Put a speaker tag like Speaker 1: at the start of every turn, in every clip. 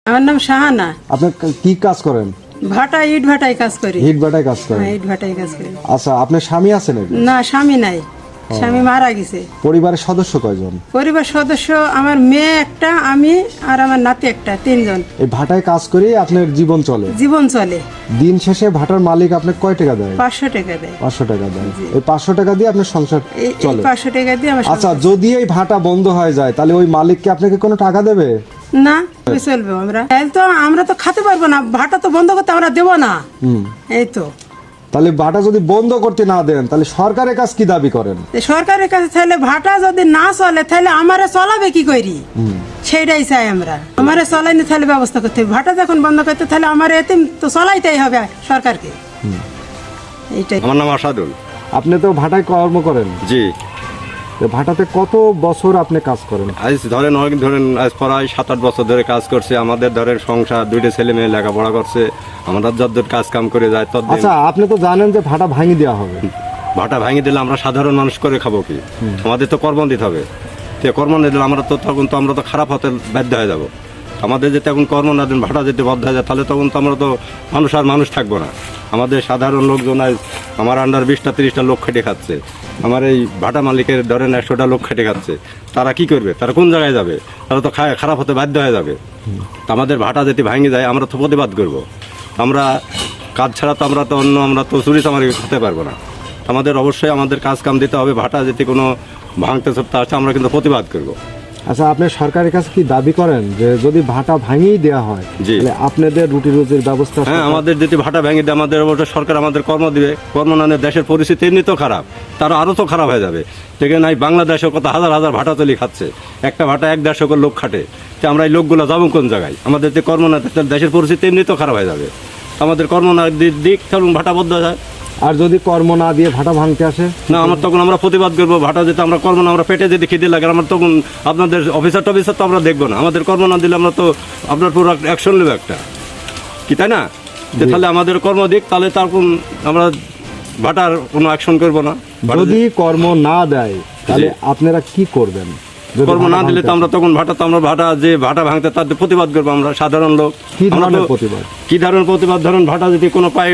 Speaker 1: আমার নাম শাহানা।
Speaker 2: আপনি কি কাজ করেন?
Speaker 1: ভাটা ইট ভাটায় কাজ করি।
Speaker 2: ইট ভাটায় কাজ করেন?
Speaker 1: হ্যাঁ, ইট ভাটায় কাজ করি।
Speaker 2: আচ্ছা, আপনার স্বামী আছে নাকি?
Speaker 1: না, স্বামী নাই, স্বামী মারা গেছে।
Speaker 2: পরিবারের সদস্য কয়জন?
Speaker 1: পরিবার সদস্য আমার মেয়ে একটা, আমি আর আমার নাতি একটা, 3 জন।
Speaker 2: এই ভাটায় কাজ করে আপনার জীবন চলে?
Speaker 1: জীবন চলে।
Speaker 2: দিন শেষে ভাটার মালিক আপনাকে কয় টাকা দেয়?
Speaker 1: 500 টাকা দেয়।
Speaker 2: 500 টাকা দেয়। এই 500 টাকা দিয়ে আপনার সংসার
Speaker 1: এই
Speaker 2: চলে?
Speaker 1: 500 টাকা দিয়ে আমার
Speaker 2: আচ্ছা,
Speaker 1: সংসার।
Speaker 2: যদি এই ভাটা বন্ধ হয়ে যায় তাহলে ওই মালিক কি আপনাকে কোনো টাকা দেবে?
Speaker 1: না, কি চলবে? আমরা তো খেতে পারবো না, ভাটা তো বন্ধ করতে আমরা দেবো না। এই তো।
Speaker 2: তাহলে ভাটা যদি বন্ধ করতে না দেন তাহলে সরকারের কাছে কি দাবি করেন?
Speaker 1: সরকারের কাছে তাহলে ভাটা যদি না চলে তাহলে আমারে চলাবে কি করি, সেইটাই চাই আমরা। আমারে চলাইনি তাহলে ব্যবস্থা করতে হবে। ভাটা যখন বন্ধ করতে তাহলে আমার এতে তো চলাইতেই হবে সরকারকে। এইটাই।
Speaker 3: আমার নাম আসাদুল।
Speaker 2: আপনি তো ভাটায় কর্ম করেন?
Speaker 3: জি।
Speaker 2: তো ভাটাতে কত বছর আপনি কাজ করেন?
Speaker 3: আজ ধরেন আজ প্রায় 7-8 বছর ধরে কাজ করছে। আমাদের ধরেন সংসার, 2টা ছেলে মেয়ে লেখাপড়া করছে। আমরা যতদূর কাজ কাম করে যাই ততদিন।
Speaker 2: আচ্ছা, আপনি তো জানেন যে ভাটা ভাঙি দেওয়া হবে।
Speaker 3: ভাটা ভাঙিয়ে দিলে আমরা সাধারণ মানুষ করে খাবো কি? আমাদের তো কর্ম দিতে হবে। তো কর্ম না দিলে আমরা তো খারাপ হতে বাধ্য হয়ে যাবো। আমাদের যদি এখন কর্ম না দিন, ভাটা যদি বদ্ধ হয়ে যায় তাহলে তখন তো আমরা তো মানুষ থাকবো না। আমাদের সাধারণ লোকজন আজ আমার আন্ডার 20-30টা লোক খেটে খাচ্ছে। আমার এই ভাটা মালিকের ধরেন 100টা লোক খেটে খাচ্ছে। তারা কি করবে? তারা কোন জায়গায় যাবে? তারা তো খারাপ হতে বাধ্য হয়ে যাবে। তো আমাদের ভাটা যদি ভাঙে যায় আমরা তো প্রতিবাদ করবো। আমরা কাজ ছাড়া তো আমরা তো চুরি চামারি খেতে পারবো না। আমাদের অবশ্যই আমাদের কাজ কাম দিতে হবে। ভাটা যদি কোনো ভাঙতে চড়তে আসে আমরা কিন্তু প্রতিবাদ করবো।
Speaker 2: আচ্ছা, আপনি সরকারের কাছে কি দাবি করেন যে যদি ভাটা ভাঙিয়ে দেওয়া হয় তাহলে আপনাদের রুটি রুজির ব্যবস্থা?
Speaker 3: হ্যাঁ, আমাদের যদি ভাটা ভেঙে দেয় আমাদের অবশ্যই সরকার আমাদের কর্ম দিবে। কর্ম না নিয়ে দেশের পরিস্থিতি এমনি তো খারাপ, তারা আরও তো খারাপ হয়ে যাবে। সেখানে নাই বাংলাদেশে কত হাজার হাজার ভাটা তৈরি খাচ্ছে। একটা ভাটা 1-150 লোক খাটে। তো আমরা এই লোকগুলো যাবো কোন জায়গায়? আমাদের যে কর্ম না দেয় দেশের পরিস্থিতি এমনি তো খারাপ হয়ে যাবে। আমাদের কর্ম না দিক চলুন ভাটা বদ্ধ যায়।
Speaker 2: আর যদি কর্ম না দিয়ে ভাটা ভাঙতে আসে
Speaker 3: না, তখন আমরা প্রতিবাদ করবো। ভাটা যেতে আমরা কর্ম না, আমরা পেটে যদি খিদে লাগে আমরা তখন আপনাদের অফিসার টফিসার তো আমরা দেখবো না। আমাদের কর্ম না দিলে আমরা তো আপনার পুরো অ্যাকশন নেবো একটা, কি তাই না? যে তাহলে আমাদের কর্ম দিক, তাহলে তখন আমরা ভাটার কোনো অ্যাকশন করবো না।
Speaker 2: যদি কর্ম না দেয় তাহলে আপনারা কি করবেন?
Speaker 3: কর্ম না দিলে তো আমরা তখন ভাটা ভাঙতে তাদের প্রতিবাদ করবো আমরা সাধারণ লোক।
Speaker 2: কি ধরনের প্রতিবাদ?
Speaker 3: কি ধরনের প্রতিবাদ? ধরুন ভাটা যদি কোনো পায়ে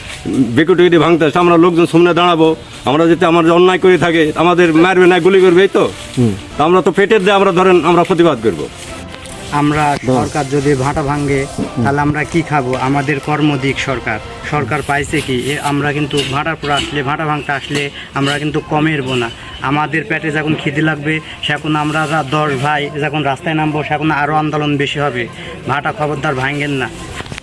Speaker 3: বিকুটি যদি ভাঙতে আসে আমরা লোকজন সামনে দাঁড়াবো। আমরা যদি আমার অন্যায় করে থাকে আমাদের মারবে না, গুলি করবে, এই তো। আমরা তো পেটের দিয়ে আমরা প্রতিবাদ করবো।
Speaker 4: আমরা সরকার যদি ভাটা ভাঙে তাহলে আমরা কি খাবো? আমাদের কর্মদিক সরকার পাইছে কি? আমরা কিন্তু ভাটার পর আসলে, ভাটা ভাঙতে আসলে আমরা কিন্তু কমেরবো না। আমাদের পেটে যখন খিদে লাগবে সেখন আমরা 10 ভাই যখন রাস্তায় নামবো সেখন আরও আন্দোলন বেশি হবে। ভাটা খবরদার ভাঙেন না।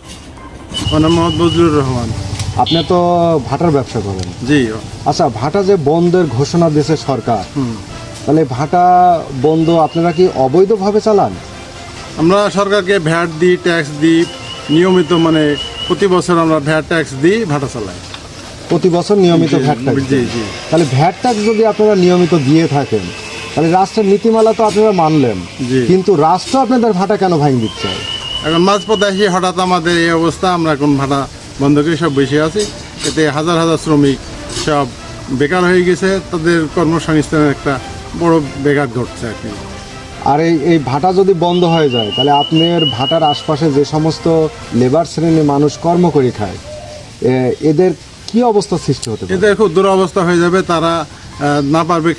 Speaker 5: আমার নাম মোহাম্মদ বজলুর রহমান।
Speaker 2: আপনি তো ভাটার ব্যবসা করেন?
Speaker 5: জি।
Speaker 2: আচ্ছা, ভাটা যে বন্ধের ঘোষণা দিয়েছে সরকার, তাহলে ভাটা বন্ধ আপনারা কি অবৈধভাবে চালান?
Speaker 5: আমরা সরকারকে ভ্যাট দিই, ট্যাক্স দিই নিয়মিত, মানে প্রতি বছর আমরা ভ্যাট ট্যাক্স দিই, ভাটা চালাই।
Speaker 2: প্রতি বছর নিয়মিত ভ্যাট ট্যাক্স?
Speaker 5: জি জি।
Speaker 2: তাহলে ভ্যাট ট্যাক্স যদি আপনারা নিয়মিত দিয়ে থাকেন তাহলে রাষ্ট্রের নীতিমালা তো আপনারা মানলেন, কিন্তু রাষ্ট্র আপনাদের ভাটা কেন ভাঙি দিচ্ছে?
Speaker 5: এখন মাঝপথে এসে হঠাৎ আমাদের এই অবস্থা, আমরা এখন ভাটা বন্ধ করে সব বসে আছি। এতে হাজার হাজার শ্রমিক সব বেকার হয়ে গেছে, তাদের কর্মসংস্থানের একটা বড় ব্যাঘাত ঘটছে আর কি।
Speaker 2: আর এই ভাটা যদি বন্ধ হয়ে যায় তাহলে আপনার ভাটার আশপাশে যে সমস্ত লেবার শ্রেণীর মানুষ কর্ম করে খায় এদের কি অবস্থা সৃষ্টি হতে পারে?
Speaker 5: এদের খুব দুরবস্থা হয়ে যাবে। তারা না পারবে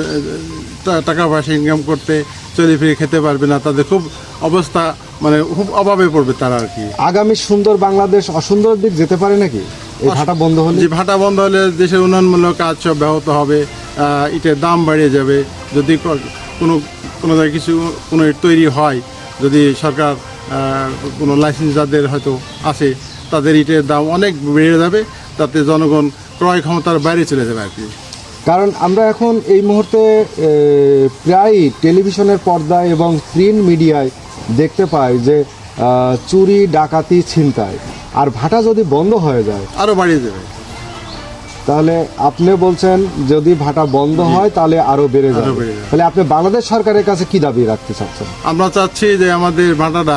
Speaker 5: টাকা পয়সা ইনকাম করতে, চলে ফিরে খেতে পারবে না। তাদের খুব অবস্থা, মানে খুব অভাবে পড়বে তারা আর কি।
Speaker 2: আগামী সুন্দর বাংলাদেশ অসুন্দর দিক যেতে পারে নাকি এই ভাটা বন্ধ হলে?
Speaker 5: যে ভাটা বন্ধ হলে দেশের উন্নয়নমূলক কাজ সব ব্যাহত হবে, ইটের দাম বাড়িয়ে যাবে। যদি কোনো জায়গায় কোনো ইট তৈরি হয়, যদি সরকার কোনো লাইসেন্স যাদের হয়তো আছে তাদের ইটের দাম অনেক বেড়ে যাবে, তাতে জনগণ ক্রয় ক্ষমতার বাইরে চলে যাবে আর কি।
Speaker 2: কারণ আমরা এখন এই মুহূর্তে প্রায় টেলিভিশনের পর্দায় এবং প্রিন্ট মিডিয়ায় দেখতে পাই যে চুরি, ডাকাতি, ছিনতাই। আর ভাটা যদি বন্ধ হয়ে যায়
Speaker 5: আরও বাড়িয়ে যাবে।
Speaker 2: তাহলে আপনি বলছেন যদি ভাটা বন্ধ হয় তাহলে আরো বেড়ে যাবে। তাহলে আপনি বাংলাদেশ সরকারের কাছে কি দাবি রাখতে চাচ্ছেন?
Speaker 5: আমরা চাচ্ছি যে আমাদের ভাটাটা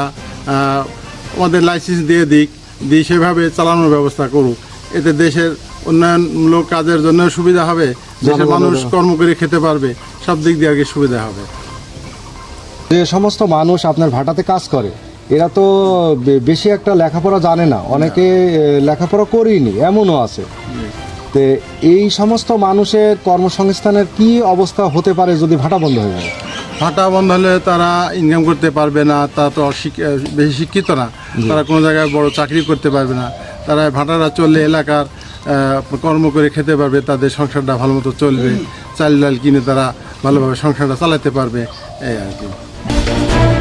Speaker 5: আমাদের লাইসেন্স দিয়ে দিয়ে সেভাবে চালানোর ব্যবস্থা করুক। এতে দেশের উন্নয়নমূলক কাজের জন্য সুবিধা হবে, দেশের মানুষ কর্ম করে খেতে পারবে, সব দিক দিয়ে আর কি সুবিধা হবে।
Speaker 2: যে সমস্ত মানুষ আপনার ভাটাতে কাজ করে এরা তো বেশি একটা লেখাপড়া জানে না, অনেকে লেখাপড়া করেনি এমনও আছে। তো এই সমস্ত মানুষের কর্মসংস্থানের কি অবস্থা হতে পারে যদি ভাটা বন্ধ হয়ে যায়?
Speaker 5: ভাটা বন্ধ হলে তারা ইনকাম করতে পারবে না, তারা তো বেশি শিক্ষিত না, তারা কোনো জায়গায় বড় চাকরি করতে পারবে না। তারা ভাটারা চললে এলাকার কর্ম করে খেতে পারবে, তাদের সংসারটা ভালো মতো চলবে, চাল ডাল কিনে তারা ভালোভাবে সংসারটা চালাতে পারবে, এই আর কি।